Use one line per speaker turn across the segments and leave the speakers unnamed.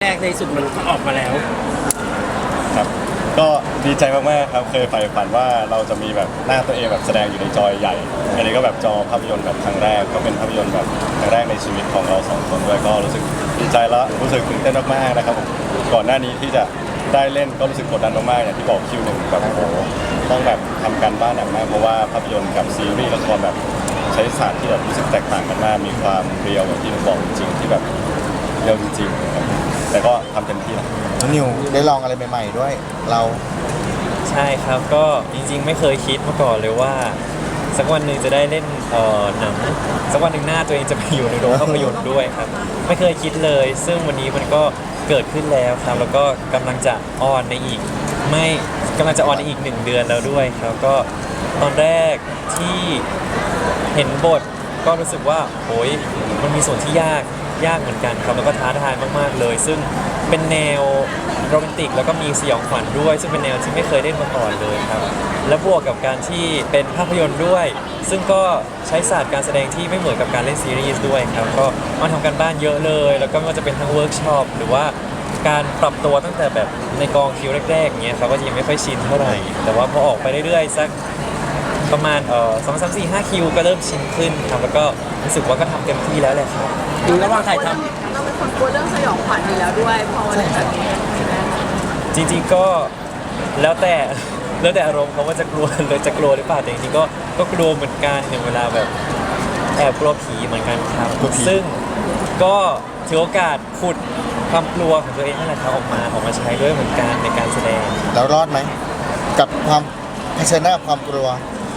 กในสุดมันก็ออกมาแล้ว
ครับก็ดีใจมากๆครับเคยใฝ่ฝันว่าเราจะมีแบบหน้าตัวเองแบบแสดงอยู่ในจอใหญ่อันนี้ก็แบบจอภาพยนตร์แบบครั้งแรกก็เป็นภาพยนตร์แบบครั้งแรกในชีวิตของเราสองคนด้วยก็รู้สึกดีใจและรู้สึกตื่นเต้นมากๆนะครับผมก่อนหน้านี้ที่จะได้เล่นก็รู้สึกกดดันมากๆอย่างที่บอกคิวหนึ่งแบบโอ้โหต้องแบบทำการบ้านหนักมากเพราะว่าภาพยนตร์กับซีรีส์ละครแบบใช้ศาสตร์ที่แบบรู้สึกแตกต่างกันมากมีความเรียวอย่างที่ผมบอกจริงๆที่แบบเรียวจริงๆครับแต่ก็ทำเต็มที่แล้ว
นิวได้ลองอะไรใหม่ๆด้วยเรา
ใช่ครับก็จริงๆไม่เคยคิดมาก่อนเลยว่าสักวันหนึ่งจะได้เล่นหนังสักวันหนึ่งหน้าตัวเองจะไปอยู่ในโรงภาพยนตร์ด้วยครับไม่เคยคิดเลย ซึ่งวันนี้มันก็เกิดขึ้นแล้วครับแล้วก็กำลังจะออนในอีกไม่กำลังจะออนในอีก1 เดือนแล้วด้วยครับก็ตอนแรกที่เห็นบทก็รู้สึกว่าโอ้ยมันมีส่วนที่ยากเหมือนกันครับแล้วก็ท้าทายมากๆเลยซึ่งเป็นแนวโรแมนติกแล้วก็มีสยองขวัญด้วยซึ่งเป็นแนวที่ไม่เคยเล่นมาก่อนเลยครับและบวกกับการที่เป็นภาพยนตร์ด้วยซึ่งก็ใช้ศาสตร์การแสดงที่ไม่เหมือนกับการเล่นซีรีส์ด้วยครับก็มาทำกันบ้านเยอะเลยแล้วก็ไม่ว่าจะเป็นทั้งเวิร์กช็อปหรือว่าการปรับตัวตั้งแต่แบบในกองคิวแรกๆเงี้ยครับก็ยังไม่ค่อยชินเท่าไหร่แต่ว่าพอออกไปเรื่อยๆสักประมาณ2 3 4 5 คิวก็เริ่มชินขึ้นครับแล้วก็รู้สึกว่าก็ทำเต็มที่แล้วแหละครับ
ดูระหว่างถ่ายท
เราเป็นคนกลัวเรื่องสยองขวัญอยู่แล้วด้วยพอวันนี้แบบนี้
จริงๆก็แล้วแต่อารมณ์เขาว่าจะกลัวเลยจะกลัวหรือเปล่าแต่จริงๆก็กลัวเหมือนกันอย่างเวลาแบบแอบกลัวผีเหมือนกันครับซึ่งก็ถือโอกาสขุดความกลัวของตัวเองนั่นแหละครับออกมาใช้ด้วยเหมือนกันในการแสดง
แล้วรอดไหมกับความเผชิญหน้ากับความกลัว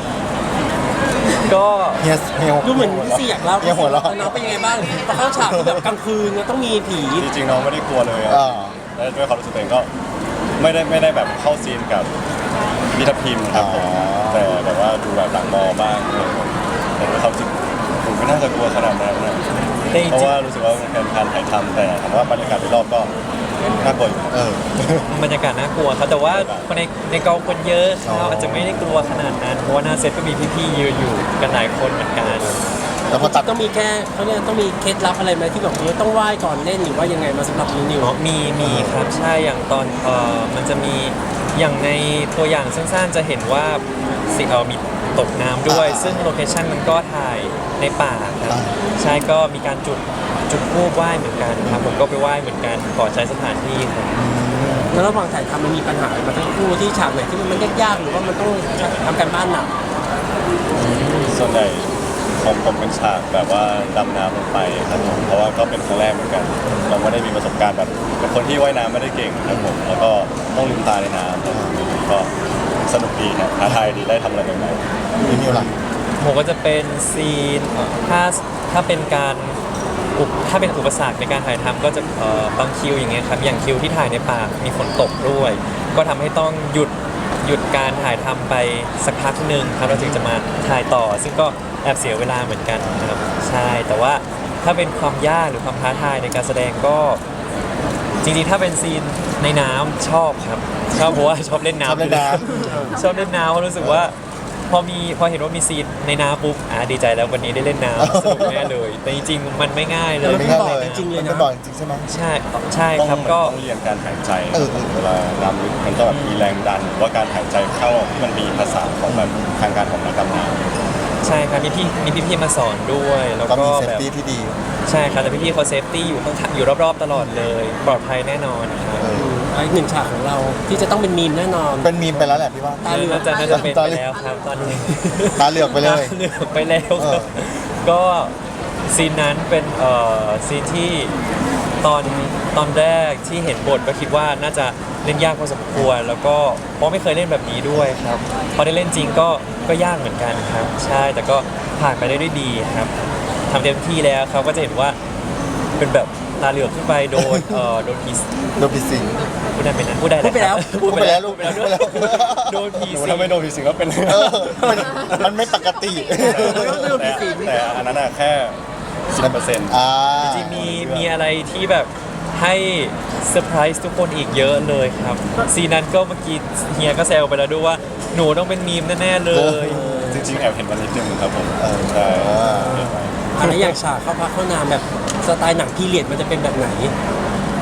ก็
เฮีย
ำดูเหมือนพี่ซีอยากเล่า
เฮียหัวเราะ
น้องเป็นยังไงบ้างพอเข้าฉากแบบกลางคืนต้องมีผี
จริงๆน้องไม่ได้กลัวเลยครับและด้วยความรู้สึกตัวเองก็ไม่ได้แบบเข้าซีนกับพิทัพพิมพ์ครับผมแต่แบบว่าดูแบบหลังมอบ้างแต่ด้วยความรู้สึกผมไม่น่าจะกลัวขนาดนั้นนะเพราะว่ารู้สึกว่ามันเป็นการถ่ายทำแต่ถามว่าบรรยากาศรอบก็น่ากลัวอยู่
บรรยากาศน่ากลัวครับแต่ว่าคนในกองคนเยอะเราอาจจะไม่ได้กลัวขนาดนั้นเพราะว่าหน้าเซตก็มีพี่ๆยืนอยู่กันหลายคนเหมือนกัน
แต่พอตัด
ต้องมีแค่เขาเนี่ยต้องมีเคล็ดลับอะไรไหมที่แบบต้องไหว้ก่อนเล่นหรือว่ายังไงมาสำหรับนิว
มีครับใช่อย่างตอนมันจะมีอย่างในตัวอย่างสั้นๆจะเห็นว่ามีตกน้ำด้วยซึ่งโลเคชั่นมันก็ถ่ายในป่าครับใช่ก็มีการจุดธูปไหว้เหมือนกันครับผมก็ไปไหว้เหมือนกันขอใช้สถานที่ครับ
แล้วระหว่างถ่ายทำมันมีปัญหามาทั้งคู่ที่ฉากไหนที่มันยากหรือว่ามันต้องทำการบ้านหนัก
ส่วนใหญ่ของผมเป็นฉากแบบว่าดำน้ำลงไปครับผมเพราะว่าก็เป็นครั้งแรกเหมือนกันเราไม่ได้มีประสบการณ์แบบเป็นคนที่ว่ายน้ำไม่ได้เก่งครับผมแล้วก็ต้องลืมตาในน้ำก็สนุกดีครับท้าทายดีได้ทำอะไรใหม่ๆ
นิวล่ะ
ผมก็จะเป็นซีนถ้าเป็นการถ้าเป็นอุปสรรคในการถ่ายทำก็จะบางคิวอย่างเงี้ยครับอย่างคิวที่ถ่ายในป่ามีฝนตกด้วยก็ทำให้ต้องหยุดการถ่ายทำไปสักพักหนึ่งครับเราถึงจะมาถ่ายต่อซึ่งก็แอบเสียเวลาเหมือนกันนะครับใช่แต่ว่าถ้าเป็นความยากหรือความท้าทายในการแสดงก็จริงๆถ้าเป็นซีนในน้ำชอบครับชอบเพราะว่าชอบเล่นน้ำชอบเล่นน้ำเพราะรู้สึกว่าพอเห็นว่ามีซีนในน้ำปุ๊บดีใจแล้ววันนี้ได้เล่นน้ำสนุกแน่เลยแต่จริงๆมันไม่ง่ายเลย
ไม่ง่ายเลยจริงเลยนะบ่อยจริงใช่ไหม
ใช่ครับก็
ต้องเรียนการหายใจเวลาน้ำลึกมันก็แบบมีแรงดันหรือว่าการหายใจเข้าที่มันมีภาษาของแบบทางการของนักดำน้ำ
ใช่ครับมีพี่มาสอนด้วยแล้วก็
แบบเซฟตี้ที่ดี
ใช่ครับแต่พี่เขาเซฟตี้อยู่ข้างอยู่รอบๆตลอดเลยปลอดภัยแน่นอนครับ
อีกหนึ่งฉากของเราที่จะต้องเป็นมีมแน่นอน
เป็นมีมไปแล้วแหละพี่ว่า
น่าจะเป็นไปแล้วครับตอนนี้
ตาเหลือกไปเลย
เหลือกไปแล้วก็ซีนนั้นเป็นซีนที่ตอนแรกที่เห็นบทก็คิดว่าน่าจะเล่นยากพอสมควรแล้วก็เพราะไม่เคยเล่นแบบนี้ด้วยครับพอได้เล่นจริงก็ยากเหมือนกันครับใช่แต่ก็ผ่านไปได้ด้วยดีครับทำเต็มที่แล้วเขาก็จะเห็นว่าเป็นแบบตาเหลือกขึ้นไปโดน
ผีสิง
พูดได้ไหมนะพูดไปแล้วโดนผีสิง
ถ้าไม่โดนผีสิงก็เป็น
มันไม่ปกติ
แต่อันนั้นแค่10%
จริงๆมีอะไรที่แบบให้เซอร์ไพรส์ทุกคนอีกเยอะเลยครับซีนั้นก็เมื่อกี้เฮียก็แซวไปแล้วด้วยว่าหนูต้องเป็นมีมแน่ๆเลย
จริงๆแอบเห็นมันนิดนึงครับผมใช่
อะไรอย่างฉากเข้าพักเข้านามแบบสไตล์หนังพีเรียดมันจะเป็นแบบไหน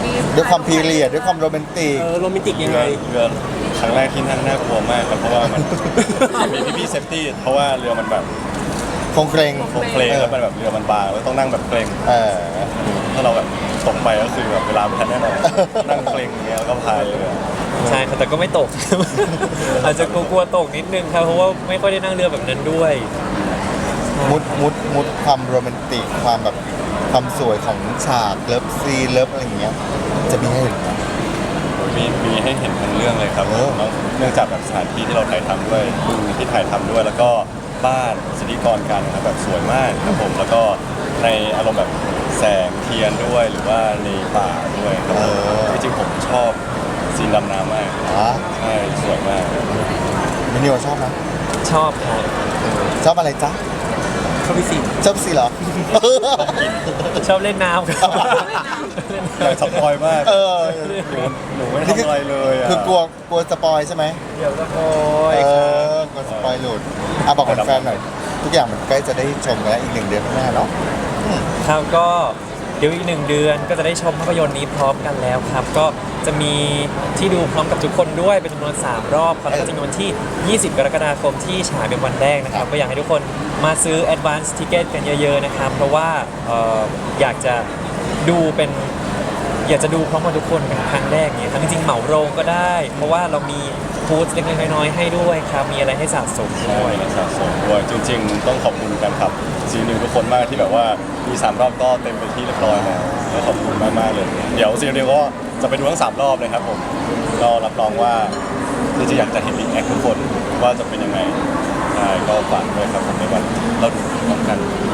มี
ด้วยความพีเรียดด้วยความโรแมนติก
โรแมนติกยังไง
เรือครั้งแรกที่นั่งน่ากลัวมากครับเพราะว่ามัน มีพี่ๆเซฟตี้เพราะว่าเรือมันแบบ
คงเกรง
โครงเคลงแล้วมันแบบเรือมันบางแล้วต้องนั่งแบบเกรง
เออ
ถ้าเราแบบตกไปก็คือแบบเวลาไม่ทันแน่นอนนั่งเกรงอย่างเงี้ยแล้วก็พายเรือ
ใช่ครับแต่ก็ไม่ตก อาจจะกลัวๆตกนิดนึงครับเพราะว่าไม่ค่อยได้นั่งเรือแบบนั้นด้วย
มุดความโรแมนติกความแบบความสวยของฉากเลิฟซีนเลิฟอะไรอย่างเงี้ยจะมีให้เห็นไหม
มีให้เห็นทั้งเรื่องเลยครับ
โอ้
เนื่องจากแบบสถานที่ที่เราถ่ายทำด้วยที่ถ่ายทำด้วย แล้วก็บ้านสถิกรกันนะครับแบบสวยมากครับผมแล้วก็ในอารมณ์แบบแสงเทียนด้วยหรือว่าในป่าด้วยครับผมจริงๆผมชอบซีนดำน้ำมาก
อ๋อ
ใช่สวยมาก
มินิวชอบไหม
ชอบครับ
ชอบอะไรจ๊ะ
เขาพิสิทธิ์
ชอบซีเหรอ
ชอบเล่นน้ำครับ
อยากสปอยมาก
เออ
หนูไม่ทำอะไรเลยอ่ะ
คือกลัวสปอยใช่ไหม
เดี๋ยวสปอย
เอ
ครับ
อกลัวสปอยหลุดอ่ะบอกแฟนๆหน่อยทุกอย่างมันใกล้จะได้ชมกันแล้วอีก1 เดือนข้างหน้าเนาะ
ครับก็เดี๋ยวอีก1 เดือนก็จะได้ชมภาพยนตร์นี้พร้อมกันแล้วครับ ก็จะมีที่ดูพร้อมกับทุกคนด้วยเป็นจำนวน3 รอบครับแล้วก็จะมีวันที่ 20 กรกฎาคมที่ฉายเป็นวันแรกนะครับก็อยากให้ทุกคนมาซื้อ advance ticket กันเยอะๆนะครับเพราะว่าอยากจะดูพร้อมกับทุกคนเป็นครั้งแรกเนี่ยครับจริงๆเหมาโรงก็ได้ เพราะว่าเรามีฟู้ดเล็กๆน้อยๆให้ด้วยครับมีอะไรให้สะสม
ใช่
ด้วย
สะสมด้วยจริงๆ ต้องขอบคุณกันครับซีนิวทุกคนมากที่แบบว่ามี3 รอบก็เต็มไปที่เรียบร้อยแล้วก็ขอบคุณมากๆเลย เดี๋ยวซีนิวก็จะไปดูทั้ง3 รอบเลยครับผมก็รับรองว่าจริงๆอยากจะเห็นรีแอคทุกคนว่าจะเป็นยังไงใช่ก็ฝากด้วยครับผมในวันเราดูพร้อมกัน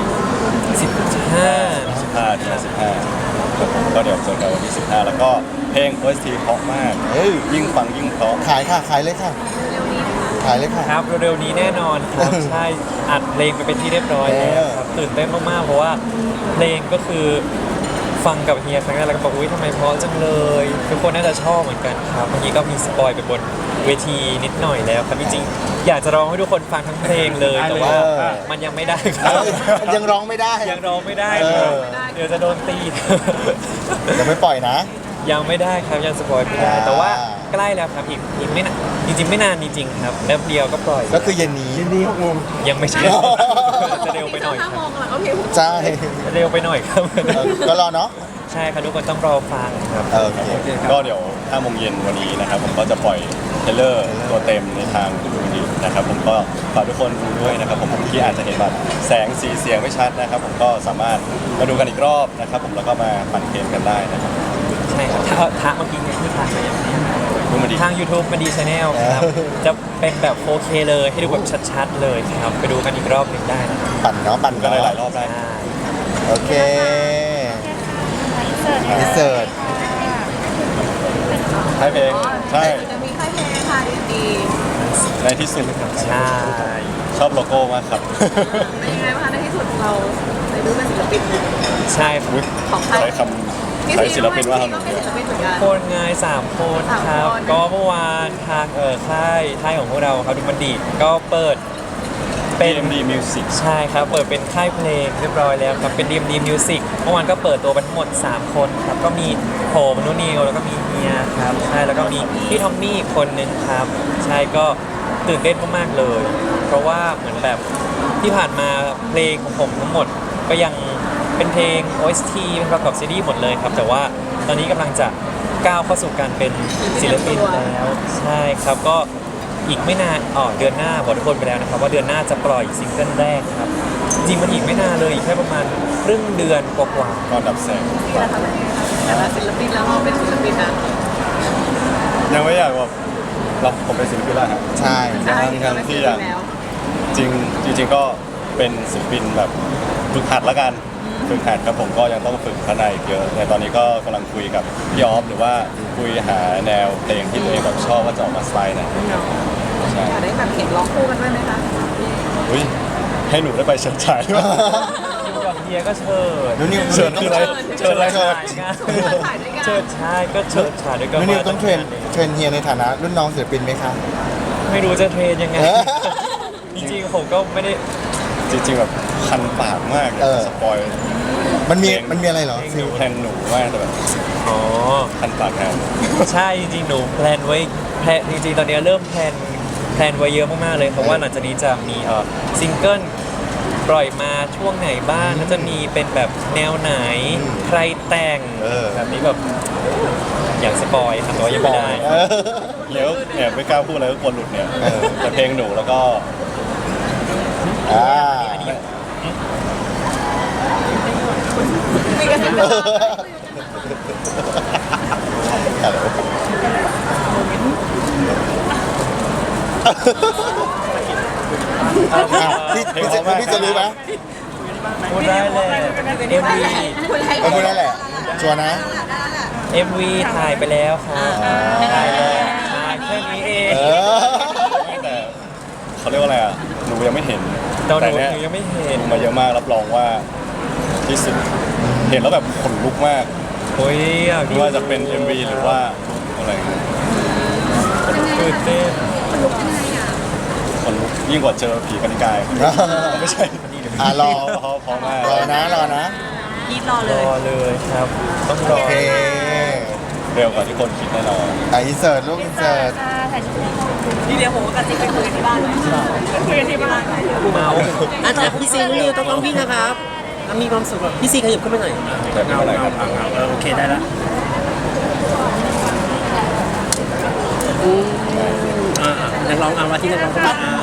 15
15ที่15ครับผมก็เดี๋ยวเจอกันวันที่15แล้วก็เพลง OST เพราะมาก
เฮ้ย
ยิ่งฟังยิ่งเพราะ
ขายค่ะขายเลยค่ะขายเลยค่ะ
ครับเร็วๆนี้แน่นอนครับ ใช่อัดเพลงไปเป็นที่เรียบร้อยแล้วครับตื่นเต้นมากๆเพราะว่าเพลงก็คือฟังกับเฮียครั้งแรกแล้วก็บอกอุ้ยทำไมเพราะจังเลยทุกคนน่าจะชอบเหมือนกันครับเมื่อกี้ก็มีสปอยไปบนเวทีนิดหน่อยแล้วครับจริงๆอยากจะร้องให้ทุกคนฟังทั้งเพลงเลยแต่ว่ามันยังไม่ได้ครับ
ยังร้องไม่ได้
ยังร้องไม่ได้
เอ
ค
อ
รับเดี๋ยวจะโดนตี
ยังไม่ปล่อยนะ
ยังไม่ได้ครับยังสปอยไม่ได้ แต่ว่าใกล้แล้วครับอีกไม่นานจริงๆไม่นานจริงๆครับแป๊บเดียวก็ปล่อย
ก็คือเย็นนี้
นี่6 โมง
ยังไม่ใช่ จะเร็วไปหน่อย
5
ค
โม
รับ
งหลังก็เพลง
ใช่
เร็วไปหน่อยครับ
ก็รอเนาะ
ใช่ครับทุกคนต้องรอฟังครับ
โอเค
ก็เดี๋ยว5 โมงเย็นวันนี้นะครับผมก็จะปล่อยเทรลเลอร์ตัวเต็มในทางดูดีนะครับผมก็ฝากทุกคนดูด้วยนะครับผมที่อาจจะเห็นแบบแสงสีเสียงไม่ชัดนะครับผมก็สามารถมาดูกันอีกรอบนะครับผมแล้วก็มาปั่นเกมกันได้นะครับ
ใช่ครับทางเมื่อกี้เนี่ยที่ทางมาอย่างนี้
ดูมาดี
ทาง YouTube มาดีชาแนลครับ จะเป็นแบบ 4K เลยให้ดูแบบชัดๆเลยครับ ไปดูกันอีกรอบหนึ่งได้นะครับ
ปั่นเนาะปั่น
กัน
เนาะ
หลายๆรอบได้
ใช่
โอเคอินเสิร์ต
ใช่เพลงใช่
จะมีค่ายเพลงค่ะดี
ในที่สุด
ใช่
ชอบโลโก้มากครับ
ๆเป็นยังไงบ้างคะในที่สุดเราได้ดูเป็นศิลปิน
ใช่ครับ
อุ๊ย
ของค่าย
ใช้คำใช้ศิลปินว่า
ก็
ทำ
เป็นศิลปินเหมือนกัน
คนงาย3 คนครับ
3 คน
ก็เมื่อวานทางค่ายของพวกเราครับดูมันดีก็เปิดเป็น
DMD Music
ใช่ครับ เปิดเป็นค่ายเพลงเรียบร้อยแล้วครับ เป็น DMD Music เมื่อวานก็เปิดตัวไปทั้งหมด 3 คนครับ ก็มีผมนุนิวแล้วก็มีเฮียครับ ใช่ แล้วก็มีพี่ทอมมี่อีกคนนึงครับ ใช่ ก็ตื่นเต้นมากๆเลย เพราะว่าเหมือนแบบที่ผ่านมาเพลงของผมทั้งหมดก็ยังเป็นเพลง OST เป็นประกอบซีรีส์หมดเลยครับ แต่ว่าตอนนี้กำลังจะก้าวเข้าสู่การเป็นศิลปินแล้ว ใช่ครับ ก็อีกไม่นานเดือนหน้าบอกทุกคนไปแล้วนะครับว่าเดือนหน้าจะปล่อยซิงเกิลแรกครับ จริงมันอีกไม่นานเลยอีกแค่ประมาณครึ่งเดือนกว่า
ก็ดับแสง
นี่แหละค่ะแต่ละศิลปินแล้วเราเป็นศิลปินนะ
ยังไม่อยากแบบผมเป็นศิลปินแล้วฮะ
ใช่
ทั้งที่อย่าง จริงก็เป็นศิลปินแบบฝึกหัดละกันฝึกหัดครับผมก็ยังต้องฝึกพัฒนาอีกเยอะแต่ตอนนี้ก็กำลังคุยกับพี่ออฟหรือว่าคุยหาแนวเพลงที่ตัวเองแบบชอบว่าจะออกมาสไตล์ไหนใช่
อยากได้แบบเห็นร้องคู่กันด้วยไหมคะ
อุ้ยให้หนูได้ไปเชิญฉายด้วย
ๆอยู่กับเฮียก็เชิญ
นุนิว
เชิญคืออะไรเชิญอะไร
เชิญ
ถ่ายด้วยกัน
เชิญชายก็เชิญชายด้วยกัน
นุนิวต้องเทรนเฮียในฐานะรุ่นน้องศิลปินไหมคะ
ไม่รู้จะเทรนยังไง
เออ
จริงๆผมก็ไม่ได้
จริงๆแบบคันปากมากอยากจะสปอย
มันมีอะไรเหรอซิล
แพลนหนูมากแต่แบบ
อ๋อ
ทันปากแทน
ใช่จริงๆหนูแพลนไว้จริงๆตอนนี้เริ่มแพลนไว้เยอะมากๆเลยเพราะว่าหลังจากนี้จะมีซิงเกิลปล่อยมาช่วงไหนบ้างแล้วจะมีเป็นแบบแนวไหนใครแต่งแบบนี้แบบอย่างสปอยทำตัวยังไม่ได้
เดี๋ยวเนี่ยไม่กล้าพูดอะไรก็กลัวหลุดเนี่ยแต่เพลงหนูแล้วก็
อ่า
มีกระซิบ
ฮัลโหล พี่จะรู้ไหม
พูดได้เลย
คุณอะไร
พูดได้แหละชัวร์นะ
MV ถ่ายไปแล้วครับถ่ายแล้วถ่ายแค่นี้เอง
แต่เขาเรียกว่าอะไรอ่ะหนูยังไม่เห็น
ตอนหนู
เนี่ย
ยังไม่เห็น
ดูมาเยอะมากรับรองว่าที่สุดเห็นแล้วแบบขนลุกมาก
โอ้ยอยาก
ไม่ว่าจะเป็น MV หรือว่าอะไรอย่างเงี้ย
ตื่นเต้น
ขนลุกยิ่งกว่าเจอผีกนิกายไม่ใช่
รอ
พอมาก
รอนะ
ยีดรอเล
ร
ย
อเลยครับ ต้องรอ
โอเค
เร็วกว่าที่คนคิดแน่นอน
อินเสิร์ตลูกอินเสิร์ต
ทีเดียวผมก็กระซิบไปคุยกันที่บ้านเลยคุยกันที่บ้าน
เมาอาจารย์พี่ซีนี่ต้องพี่นะครับมีความสุขพี่ซีขยับขึ้นไปหน่อย
แต่ไม่เป็นไรครับ
โอเคได้ละนักร้องเอามาที่นักร้อง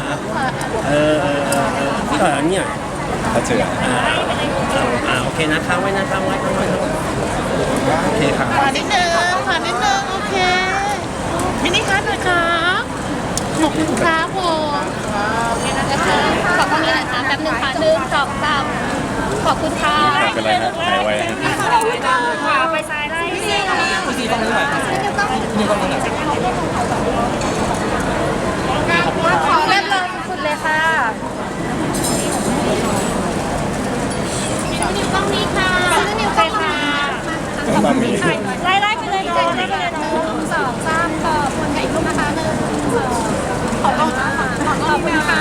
พี่ต่อยเนี่ย
ถ้าเจอ
โอเคนะค้างไว้นะค้างไว้โอเคครับ
ขอนิดนึงโอเค มินิคัทหน่อยครับขอบคุณครับผมขอบคุณนะคะแป๊บนึงค่ะ1 2 3ขอบคุณค่ะ
เป็นไรนะหายไว
ไปซ้ายไล่
พี่ซีต้องรู้หน่อยนี่ต้องรู้หน่อย
ขอเริ่มเลยสุดเลยค่ะนิ้วกล้องนี้ค่ะนิ้วกล้องค่ะ
มามี
ไล่ไปเลยเนาะ1 2 3ขอบคุณค่ะอีกรูปนะคะ1 2ขอบคุณค่ะขอบคุณค่ะ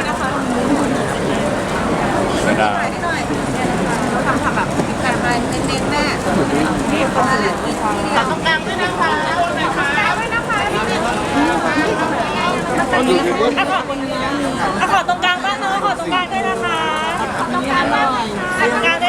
เสียดาย
ทำแบบแต่ไปเน้นๆแม่ขอ
ขอตรงกลางด้วยนะคะขอตรงกลางด้วยนะคะขอตรงกลางบ้างเนาะขอตรงกลางด้วยนะคะขอตรงกลางบ้างตรงกลางด้วย